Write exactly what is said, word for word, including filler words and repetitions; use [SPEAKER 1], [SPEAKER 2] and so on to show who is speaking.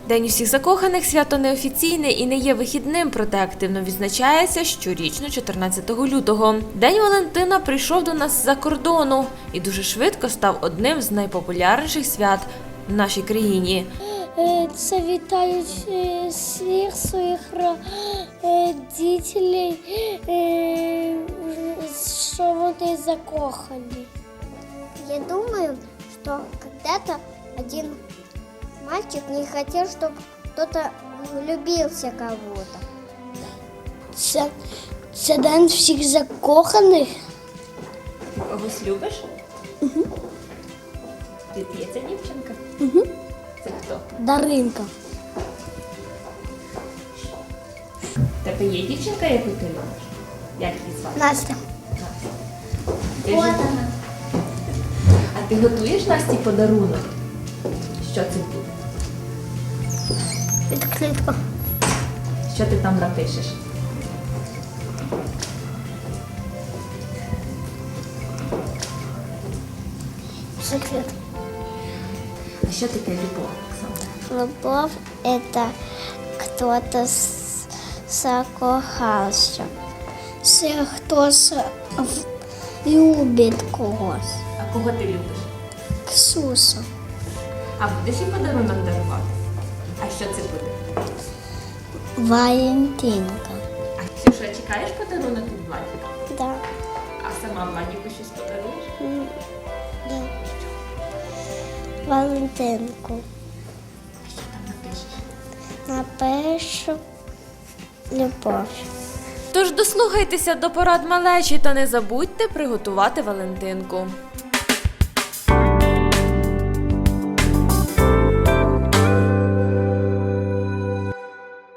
[SPEAKER 1] День усіх закоханих – свято неофіційне і не є вихідним, проте активно відзначається щорічно чотирнадцятого лютого. День Валентина прийшов до нас з-за кордону і дуже швидко став одним з найпопулярніших свят в нашій країні.
[SPEAKER 2] Це вітають всіх своїх дітей, що вони закохані.
[SPEAKER 3] Я думаю, что когда-то один мальчик не хотел, чтобы кто-то влюбился в кого-то.
[SPEAKER 2] Це, це день всіх закоханих.
[SPEAKER 1] Ти когось любиш?
[SPEAKER 2] Угу.
[SPEAKER 1] Ти є ця дівчинка?
[SPEAKER 2] Угу.
[SPEAKER 1] Це хто?
[SPEAKER 2] Даринка.
[SPEAKER 1] В тебе є дівчинка, яку ти любиш? Як її звати?
[SPEAKER 2] Настя.
[SPEAKER 1] Ти ж- А ти готуєш Насті подарунок? Що це буде?
[SPEAKER 2] Відкритка.
[SPEAKER 1] Що ти там напишеш?
[SPEAKER 2] Секрет.
[SPEAKER 1] А що таке любов, Оксана?
[SPEAKER 3] Любовь – это кто-то с- закохался.
[SPEAKER 2] Це хтось любить когось.
[SPEAKER 1] А кого ти любиш?
[SPEAKER 2] Ксусу.
[SPEAKER 1] А будеш їй подарунок дарувати? А що це буде?
[SPEAKER 2] Валентинка.
[SPEAKER 1] А Ксюша, чекаєш подарунок від Владіка?
[SPEAKER 3] Да.
[SPEAKER 1] А сама Владіку щось подаруєш?
[SPEAKER 3] М, да. Валентинку.
[SPEAKER 1] А що там напишеш?
[SPEAKER 3] Напишу любов.
[SPEAKER 1] Тож дослухайтеся до порад малечі та не забудьте приготувати Валентинку.